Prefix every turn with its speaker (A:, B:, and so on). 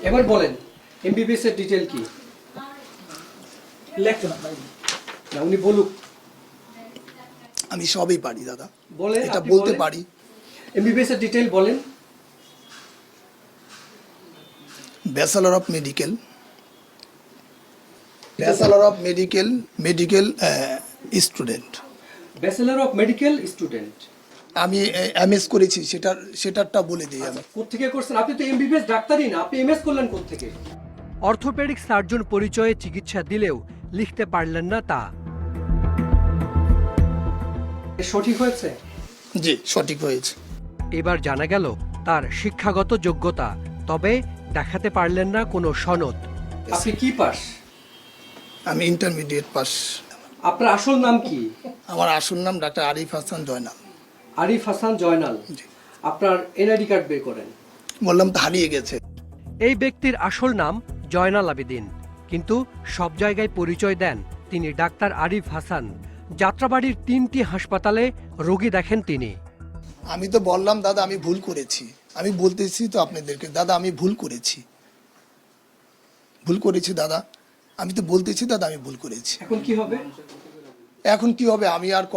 A: এবার বলেন এমবিবিএস এর ডিটেইল কি? না উনি বলুক।
B: আমি সবই পারি দাদা,
A: বলেন,
B: এটা
A: আপনি
B: বলতে
A: বলেন।
B: পারি।
A: এমবিবিএস এর ডিটেইল বলেন।
B: Bachelor of medical, bachelor of medical student.
A: Bachelor of medical student.
B: আমি এমএস করেছি, সেটারটা বলে দিই আমি।
A: কোত্থেকে করছেন? আপনি তো এমবিবিএস ডাক্তারই না, আপনি এমএস করলেন কোত্থেকে? অর্থোপেডিক সার্জন পরিচয়ে চিকিৎসা দিলেও লিখতে পারলেন না তা। সঠিক হয়েছে?
B: জি, সঠিক হয়েছে।
A: এবার জানা গেল তার শিক্ষাগত যোগ্যতা, তবে দেখাতে পারলেন না কোনো সনদ। আপনি কি পাস?
B: আমি ইন্টারমিডিয়েট পাস।
A: আপনার আসল নাম কি?
B: আমার আসল নাম ডাক্তার আরিফ হাসান জয়নাল।
A: আরিফ হাসান জয়নাল।
B: জি।
A: আপনার এনআইডি কার্ড বের করেন।
B: বললাম তো হারিয়ে গেছে।
A: এই ব্যক্তির আসল নাম জয়নাল আবেদিন, কিন্তু সব জায়গায় পরিচয় দেন তিনি ডাক্তার আরিফ হাসান। যাত্রাবাড়ির 3টি হাসপাতালে রোগী দেখেন তিনি।
B: আমি তো বললাম দাদা আমি ভুল করেছি, আমি বলতেছি তো আপনাদেরকে দাদা আমি ভুল করেছি দাদা, আমি তো বলতেছি দাদা আমি ভুল করেছি।
A: এখন কি হবে?
B: এখন কি হবে আমি আর